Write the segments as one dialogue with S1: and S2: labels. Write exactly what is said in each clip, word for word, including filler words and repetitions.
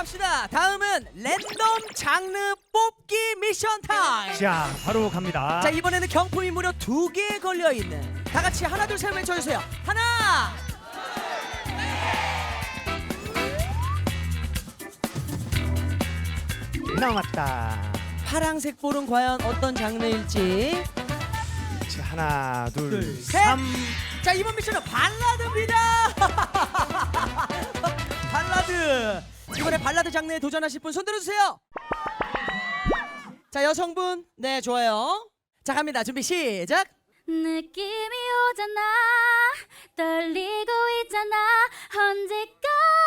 S1: 갑시다. 다음은 랜덤 장르 뽑기 미션 타임.
S2: 자, 바로 갑니다.
S1: 자, 이번에는 경품이 무려 두 개 걸려 있는. 다 같이 하나 둘 셋 외쳐주세요. 하나.
S2: 남았다.
S1: 파랑색 볼은 과연 어떤 장르일지.
S2: 자, 하나, 둘,
S1: 둘, 셋.
S2: 삼.
S1: 자, 이번 미션은 발라드입니다. 발라드. 이번에 발라드 장르에 도전하실 분 손 들어주세요. 자, 여성분. 네, 좋아요. 자, 갑니다. 준비 시작.
S3: 느낌이 오잖아 떨리고 있잖아 언제까지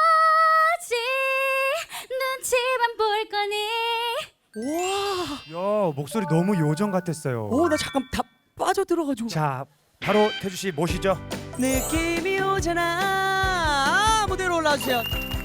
S3: 눈치만 볼 거니
S1: 와.
S2: 야, 목소리 너무 요정 같았어요.
S1: 오, 나 잠깐 다 빠져들어가지고.
S2: 자, 바로 태주 씨 모시죠.
S1: 느낌이 오잖아. 아, 무대로 올라와주세요.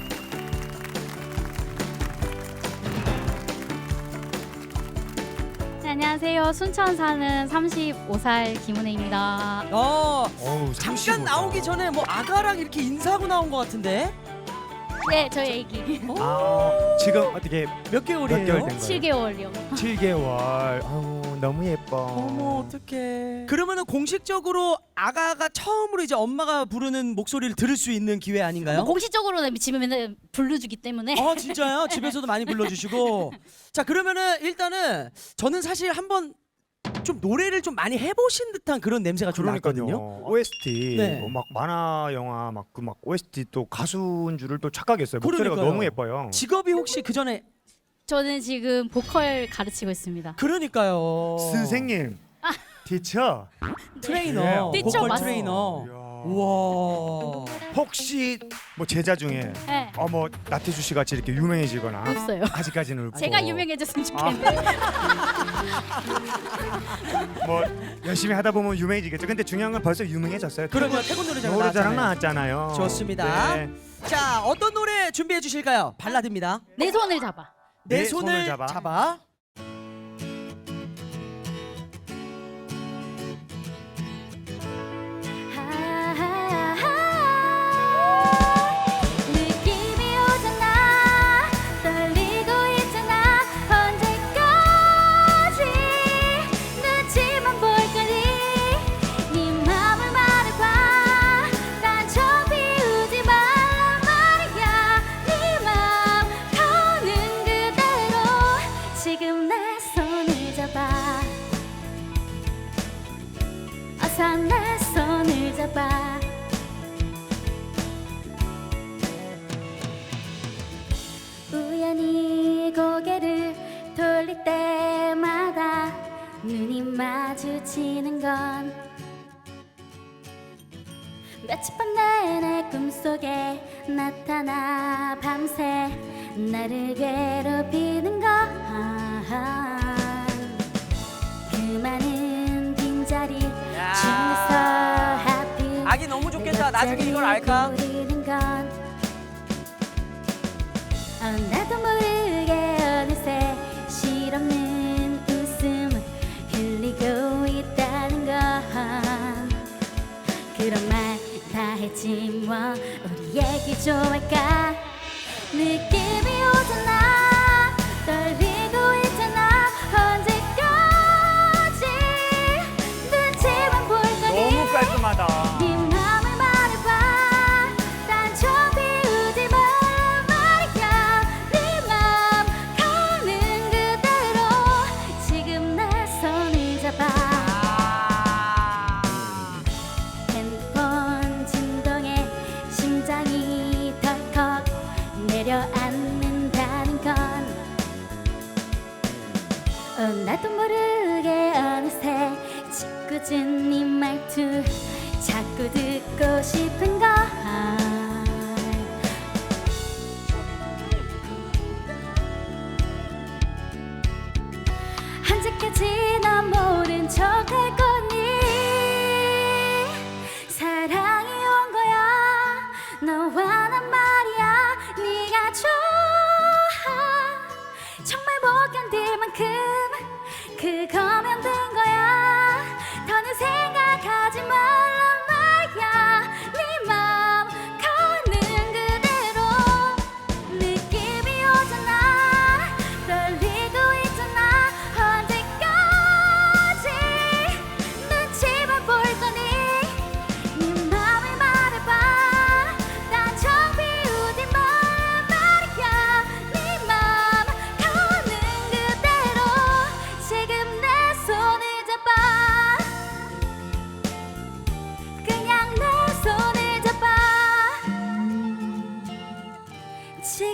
S3: 네, 안녕하세요 순천 사는 서른다섯 살 김은혜입니다.
S1: 어,
S2: 어우,
S1: 잠깐
S2: 삼십오 다.
S1: 나오기 전에 뭐 아가랑 이렇게 인사하고 나온 것 같은데.
S3: 네 저희 애기
S2: 아, 지금 어떻게
S1: 몇 개월이에요?
S2: 몇 개월 된 거예요?
S3: 칠 개월이요.
S2: 칠 개월. 아우, 너무 예뻐.
S1: 어머, 어떡해. 그러면은 공식적으로 아가가 처음으로 이제 엄마가 부르는 목소리를 들을 수 있는 기회 아닌가요?
S3: 뭐 공식적으로는 집에 맨날 불러주기 때문에
S1: 아, 진짜요? 집에서도 많이 불러주시고. 자, 그러면은 일단은 저는 사실 한번 좀 노래를 좀 많이 해보신 듯한 그런 냄새가 좀 났거든요.
S2: 그러니까요. 오에스티
S1: 네.
S2: 뭐 막 만화 영화 막 그 막 오에스티 또 가수인 줄을 또 착각했어요. 목소리가
S1: 그러니까요.
S2: 너무 예뻐요.
S1: 직업이 혹시 그 전에
S3: 저는 지금 보컬 가르치고 있습니다.
S1: 그러니까요.
S2: 선생님, 티처.
S1: 트레이너,
S2: 네.
S3: 티처
S1: 보컬
S3: 맞습니다.
S1: 트레이너.
S2: 이야.
S1: 우와.
S2: 혹시 뭐 제자 중에
S3: 네
S2: 어뭐 나태주 씨 같이 이렇게 유명해지거나
S3: 없어요.
S2: 아직까지는 없고
S3: 제가 유명해졌으면 좋겠는데
S2: 뭐 열심히 하다 보면 유명해지겠죠. 근데 중요한 건 벌써 유명해졌어요.
S1: 그러면 태국 노래자랑
S2: 노래자랑
S1: 나왔잖아요.
S2: 나왔잖아요.
S1: 좋습니다.
S2: 네.
S1: 자, 어떤 노래 준비해 주실까요? 발라드입니다.
S3: 내 손을 잡아.
S1: 내
S2: 내
S1: 손을,
S2: 손을 잡아.
S1: 잡아.
S3: 느낌이 오잖아 떨리고 있잖아 언제까지 눈치만 볼 거니 네 맘을 말해봐 딴청 피우지 말란 말이야 네 맘 가는 그대로 지금 내 손을 잡아 어서 내 손을 잡아 우연히 고개를 돌릴 때마다 눈이 마주치는 건 며칠 밤 내내 꿈속에 나타나 밤새 나를 괴롭히는 건 그 많은 빈자리 중에서 하필
S1: 아기 너무 좋겠다. 나중에 이걸 알까?
S3: 모르는 건 어, 나도 모르게 어느새 실없는 웃음 흘리고 있다는 건 그런 말 다 했지 뭐 우리 얘기 좀 할까 느낌이 오잖아 떨리고 있잖아 언제까지 눈치만 볼 거니
S2: 너무 깔끔하다.
S3: 네 맘을 말해봐 딴청 피우지 말란 말이야 네 맘 가는 그대로 지금 내 손을 잡아 핸드폰 진동에 심장이 덜컥 내려앉는다는 건 어, 나도 모르게 어느새 짓궂은 네 말투 자꾸 듣고 싶은 걸 언제까지 난 모른 척 할 거니 사랑이 온 거야 너와 난 말이야 네가 좋아 정말 못 견딜 만큼 그거면 된 거야 더는 생각하지 말란 말이야 네 맘 가는 그대로 느낌이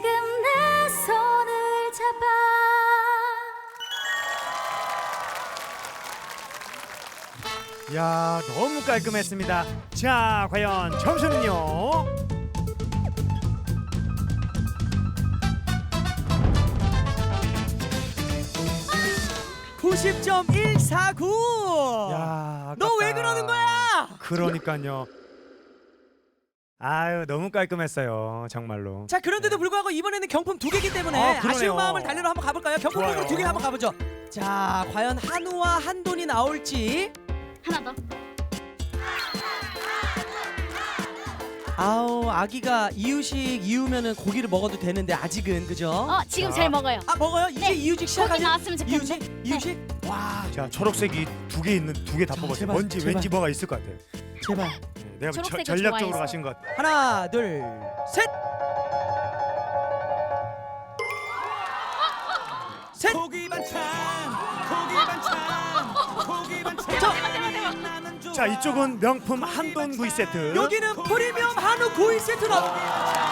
S3: 내 손을 잡아.
S2: 야, 너무 깔끔했습니다. 자, 과연 점수는요?
S1: 구십 점 일사구.
S2: 야,
S1: 너 왜
S2: 아깝다.
S1: 그러는 거야?
S2: 그러니까요. 아유, 너무 깔끔했어요. 정말로.
S1: 자, 그런데도 불구하고 이번에는 경품 두 개이기 때문에
S2: 아, 그러네요.
S1: 아쉬운 마음을 달래러 한번 가볼까요? 경품
S2: 좋아요.
S1: 두 개 한번 가보죠. 자, 과연 한우와 한돈이 나올지.
S3: 하나 더.
S1: 아우, 아기가 이유식 이으면은 고기를 먹어도 되는데 아직은 그죠?
S3: 어, 지금
S2: 자.
S3: 제일 먹어요.
S1: 아, 먹어요? 이제
S3: 네.
S1: 이유식
S3: 고기
S1: 시작하죠?
S3: 나왔으면 좋겠는데.
S1: 이유식? 이유식? 와,
S2: 자, 초록색이 두 개 있는 두 개 다
S1: 자,
S2: 뽑았어요.
S1: 제발,
S2: 뭔지
S1: 제발.
S2: 왠지 뭐가 있을 것 같아요.
S1: 제발.
S2: 네, 내가 저,
S3: 초록색을
S2: 전략적으로
S3: 좋아해서.
S2: 가신 것 같아요.
S1: 하나, 둘, 셋. 셋.
S4: 고기 반찬 고기 반찬 고기 반찬
S1: 저,
S2: 자, 이쪽은 명품 한돈 구이 세트.
S1: 여기는 프리미엄 한우 구이 세트 나옵니다.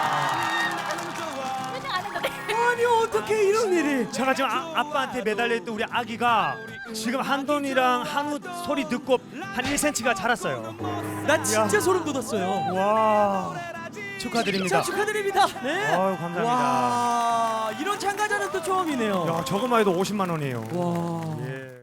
S3: 표정 안 했는데.
S1: 아니, 어떻게 이런 일이?
S2: 제가 지금 아, 아빠한테 매달려 있던 우리 아기가 지금 한돈이랑 한우 소리 듣고 한 일 센티미터가 자랐어요.
S1: 나 진짜
S2: 야.
S1: 소름 돋았어요.
S2: 와,
S1: 자,
S2: 축하드립니다.
S1: 축하드립니다. 네.
S2: 아유, 감사합니다.
S1: 와, 이런 참가자는 또 처음이네요.
S2: 야, 저것만 해도 오십만 원이에요.
S1: 와.
S2: 예.